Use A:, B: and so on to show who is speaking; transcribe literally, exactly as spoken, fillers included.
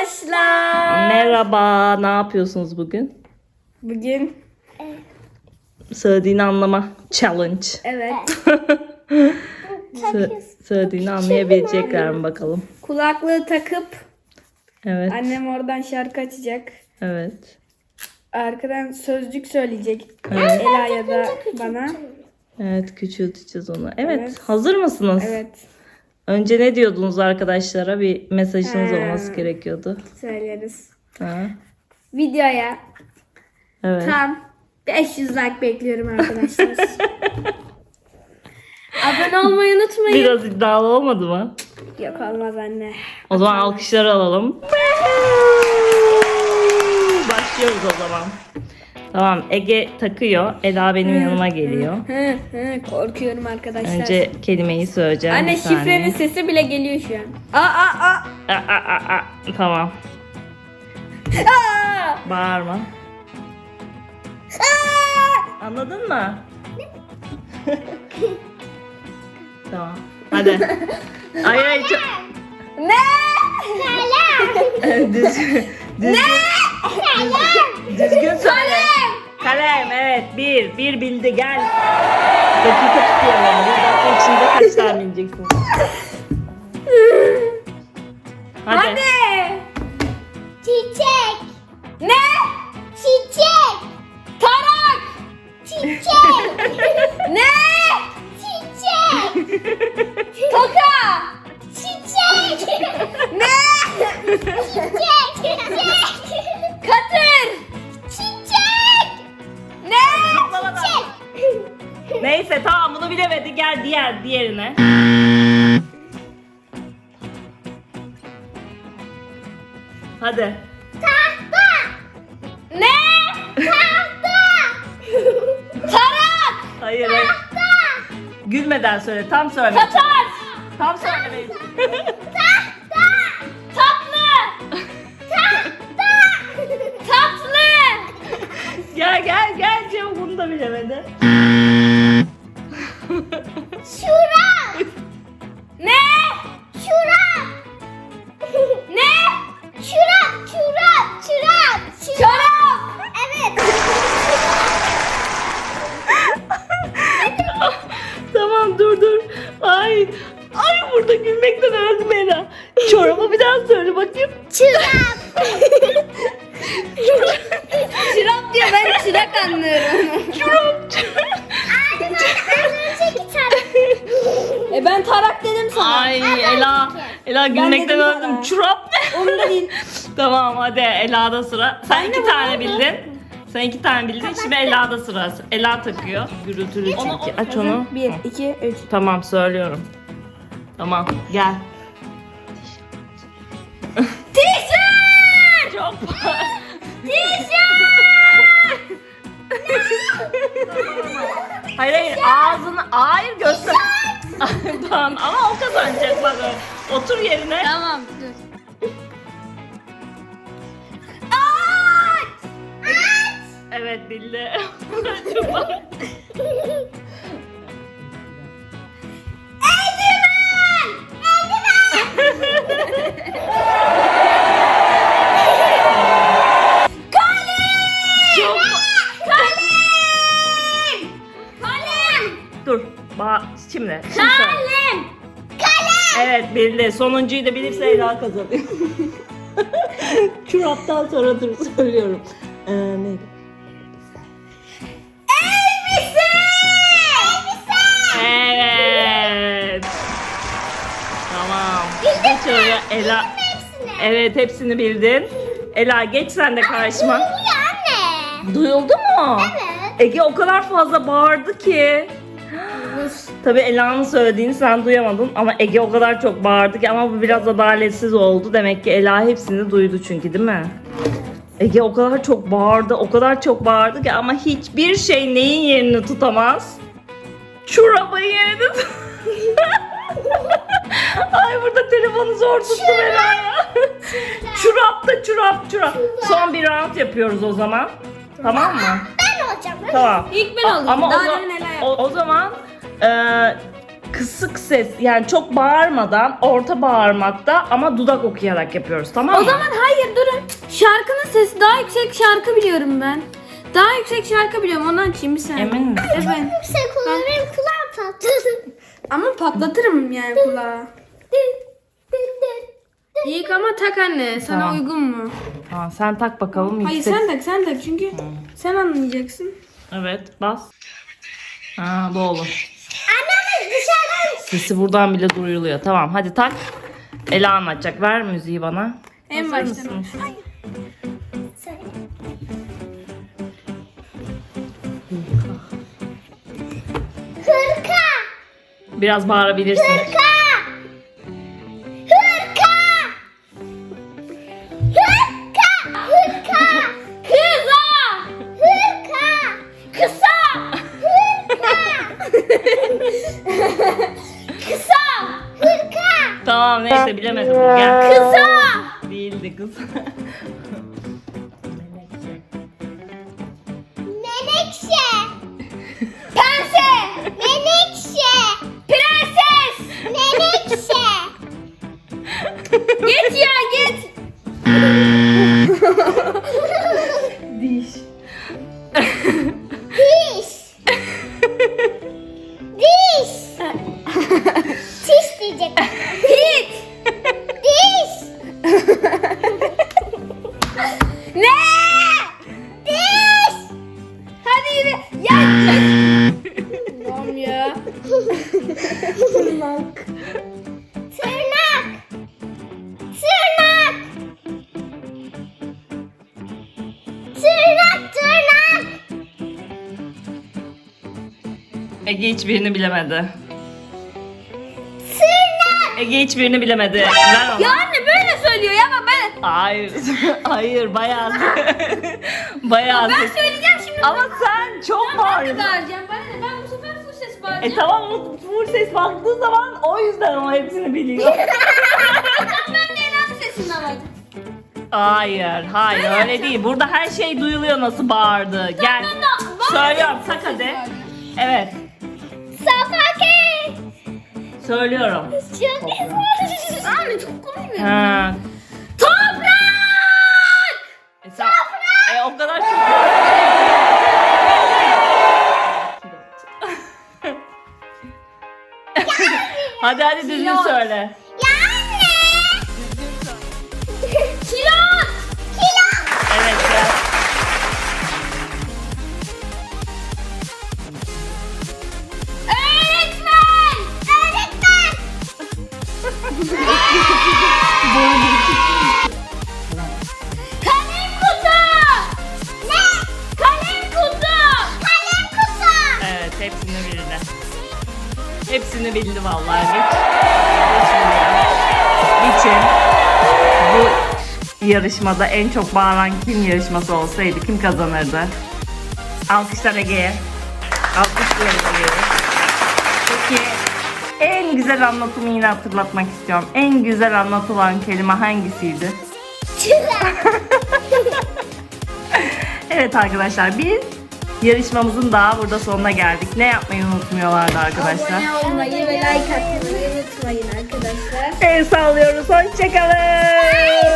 A: arkadaşlar.
B: Merhaba, ne yapıyorsunuz bugün?
A: Bugün
B: Söylediğini anlama challenge.
A: evet
B: Sö- söylediğini anlayabilecekler mi bakalım?
A: kulaklığı takıp
B: Evet.
A: annem oradan şarkı açacak.
B: Evet.
A: Arkadan sözcük söyleyecek.
B: Evet.
A: Ela ya da bana.
B: Evet, küçülteceğiz onu. Evet,
A: Evet.
B: hazır mısınız?
A: Evet,
B: Önce ne diyordunuz arkadaşlara? Bir mesajınız
A: Ha.
B: olması gerekiyordu.
A: söyleriz.
B: Ha.
A: Videoya
B: Evet.
A: tam beş yüz like bekliyorum arkadaşlar. Abone olmayı unutmayın.
B: Biraz iddialı olmadı mı?
A: Yok olmaz anne.
B: O zaman alkışları alalım. Başlıyoruz o zaman. Tamam, Ege takıyor. Ela benim yanıma geliyor.
A: Hı, hı, korkuyorum arkadaşlar.
B: Önce kelimeyi söyleyeceğim.
A: Anne
B: bir saniye.
A: şifrenin sesi bile geliyor şu an. Aa aa aa.
B: Aa, aa, aa. Tamam.
A: Aa!
B: Bağırma.
A: Aa!
B: Anladın mı? Tamam. Hadi. Hayır hayır. çok-
A: Ne?
B: düzgün. Düzgün.
A: Ne?
B: Düzgün söyle. Kalem. Evet. Bir. Bir bildi. Gel. Dakika tutuyorum. Bir dakika içinde kaç tane bileceksin? Hadi.
A: Hadi.
C: Çiçek.
A: Ne?
C: Çiçek.
A: Tarak.
C: Çiçek.
A: Ne?
C: Çiçek.
A: Toka.
C: Çiçek.
A: Ne?
C: Çiçek. Çiçek.
A: Katır.
C: Çiçek.
A: Ne?
C: Çiçek.
B: Neyse tamam bunu bilemedi. Gel diğer diğerine. Hadi.
C: Tahta.
A: Ne?
C: Tahta.
A: Tarak.
B: Hayır. hayır.
C: Tahta.
B: Gülmeden söyle. Tam söyle.
A: Tatar.
B: Tam söylemeyin.
C: Tahta.
A: Tatlı.
C: Tahta.
A: Tatlı.
B: Gel gel gel. Cevap bunu da bilemedi.
C: Şurap.
A: Ne?
C: Şurap.
A: Ne?
C: Şurap. Şurap. Şurap.
A: Çorap.
C: Evet.
B: Tamam dur dur. Ay. Ay burada gülmekten öldüm Ela. Çorabı bir daha söyle bakayım.
C: Şurap.
A: Çırak diyor, ben çırak anlıyorum.
B: Çorap.
C: Anne ben önceki taraf.
A: E ben tarak dedim sana.
B: Ay Ela. Ela gülmekten
A: dedim
B: öldüm.
A: bana.
B: Çorap ne?
A: Onda değil.
B: Tamam hadi Ela'da sıra. Sen
A: Ben de
B: iki
A: bunu
B: tane
A: aldım.
B: bildin. Sen iki tane bildin. Şimdi Ela'da sıra. Ela takıyor. Gürültülü çünkü. Aç onu.
A: Bir, iki, üç.
B: Tamam söylüyorum. Tamam gel.
A: Tişört!
B: Çok Hayır hayır ağzını hayır göster. Tamam ama o kazanacak bak. Otur yerine.
A: Tamam, dur.
B: Evet bildi. Çok
A: Kalem!
B: dur. Ba şimdi. şimdi söyle.
A: Kalem!
B: Evet bildi. Sonuncuyu da bilirse Ela kazanıyor. Çoraptan sonra dur söylüyorum. Ee, neydi?
A: Elbise!
B: Evet. Tamam. Geç oraya Ela. Evet hepsini bildin. Ela geç sen de karşıma.
C: Ya anne.
B: Duyuldu mu?
C: Evet.
B: Ege o kadar fazla bağırdı ki. Tabii Ela'nın söylediğini sen duyamadın ama Ege o kadar çok bağırdı ki ama bu biraz adaletsiz oldu. Demek ki Ela hepsini duydu çünkü değil mi? Ege o kadar çok bağırdı, o kadar çok bağırdı ki ama hiçbir şey neyin yerini tutamaz? Çorabın yerini tut- Ay burada telefonu zor tuttum Ela'ya. Çorap da çorap çorap. Son bir round yapıyoruz o zaman. Tamam mı?
C: Ben olacağım.
B: Tamam.
A: İlk ben alayım.
B: Ama o,
A: Daha
B: za-
A: demin neler
B: o, o zaman e, kısık ses, yani çok bağırmadan, orta bağırmakta ama dudak okuyarak yapıyoruz, tamam mı?
A: O zaman hayır durun. Şarkının sesi daha yüksek şarkı biliyorum ben. Daha yüksek şarkı biliyorum, onu açayım bir saniye.
B: Emin misin?
A: Evet.
C: Yüksek olur benim kulağım patladı.
A: Ama patlatırım yani kulağı. İlk ama tak anne, sana
B: Tamam.
A: uygun mu?
B: Tamam, sen tak bakalım.
A: Hayır
B: yüksek.
A: sen tak, sen tak çünkü sen anlayacaksın.
B: Evet, bas. Ha, bu olur.
C: Annem dışarıdan.
B: Sesi buradan bile duyuluyor. Tamam, hadi tak. Ela anlatacak. Ver müziği bana.
A: En
B: Hazır
A: baştan.
B: mısınız?
C: Söyle. Hırka.
B: Biraz bağırabilirsin.
C: Hırka. Hırka. Hırka. Hırka. Kıza. Hırka. Kısa. Hırka. Kısa. Hırka.
B: Tamam, neyse bilemedim. Gel.
C: Kısa.
B: Değildi kız.
C: Menekşe. Pense. Menekşe. Prenses. Menekşe.
A: Git ya git.
B: Diş.
C: Diş. Diş. Diş diyecek. Hit. Diş.
A: Ne?
C: Diş.
A: Hadi yürü. Ya. Tamam ya.
C: Tırnak. Tırnak. Tırnak. Tırnak. Tırnak.
B: Ege hiçbirini bilemedi.
C: Tırnak.
B: Ege hiçbirini bilemedi. Ver ona.
A: Ya anne böyle söylüyor ya ama ben.
B: Hayır. Hayır, bayağı. bayağı.
A: Ben söyleyeceğim şimdi.
B: Ama sen çok
A: Ben de
B: bağırıyorsun.
A: bağıracağım. Ben de ben bu sefer full ses bağıracağım.
B: E tamam, o full ses baktığı zaman o yüzden o hepsini biliyor.
A: Ben de Ela'nın sesini alacağım.
B: Hayır, hayır
A: Öyle
B: öyle
A: yapacağım.
B: değil. Burada her şey duyuluyor nasıl bağırdı. Gel.
A: Ben de
B: Söylüyorum, tak hadi. Evet,
C: Safake.
B: söylüyorum.
C: Çok güzel.
A: Anne çok komik.
B: Ha.
C: Toprak.
B: E, sen, e o kadar çok. hadi hadi düzgün
A: Pilot.
B: söyle.
C: Ya anne.
A: Kilot.
C: Kilo.
B: Evet gel.
C: Öğretmen. Öğretmen. Kalem kutu. Ne? Kalem kutu. Kalem kutu.
B: Evet, hepsini bildi. Hepsini bildi vallahi. Geç. Geçin. Bu yarışmada en çok bağıran kim yarışması olsaydı kim kazanırdı? Alkışlar Ege'ye. Alkışlıyoruz Ege'ye. Peki en güzel anlatımı yine hatırlatmak istiyorum. En güzel anlatılan kelime hangisiydi?
C: Güzel.
B: Evet arkadaşlar, biz yarışmamızın daha burada sonuna geldik. Ne yapmayı unutmuyorlardı arkadaşlar.
A: Abone olmayı ve like atmayı unutmayın arkadaşlar.
B: El sallıyoruz. Hoşçakalın.